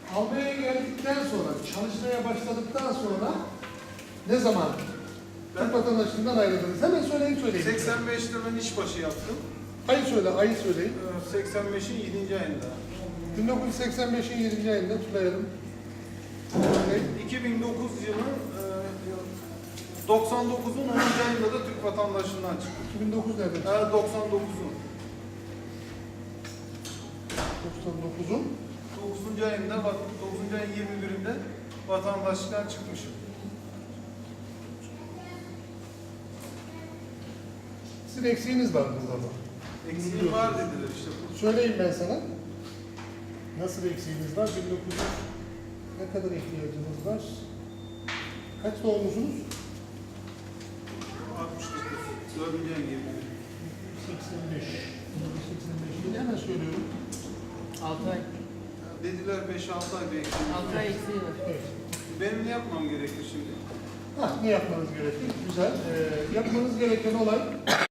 Almanya'ya geldikten sonra, çalışmaya başladıktan sonra ne zaman Türk vatandaşlığından ayrıldınız? Hemen söyleyin. 85'te ben işbaşı yaptım. Ayı söyle, ayı söyleyin. 85'in 7. ayında. 1985'in 7. ayında tutayalım. 2009 yılın 99'un 10. ayında da Türk vatandaşlığından çıktım. 2009 nerede? 99'un. 99'un 9. ayında, 9. ayın 21'inde vatandaşlıktan çıkmışım. sizin eksiğiniz var burada ama. Eksiğim var dediler işte. Söyleyeyim ben sana. Nasıl eksiğiniz var? 1900 ne kadar ihtiyacınız var? Kaç doğmuşsunuz? 69. 4. ayın 21'i. 85. 1985. Hemen söylüyorum. 6 ay. Dediler 5-6 ay bir eksiğim. 6 ay eksiği var. Evet. Benim ne yapmam gerekir şimdi? Ne yapmanız gerekir? Güzel. Yapmanız gereken olay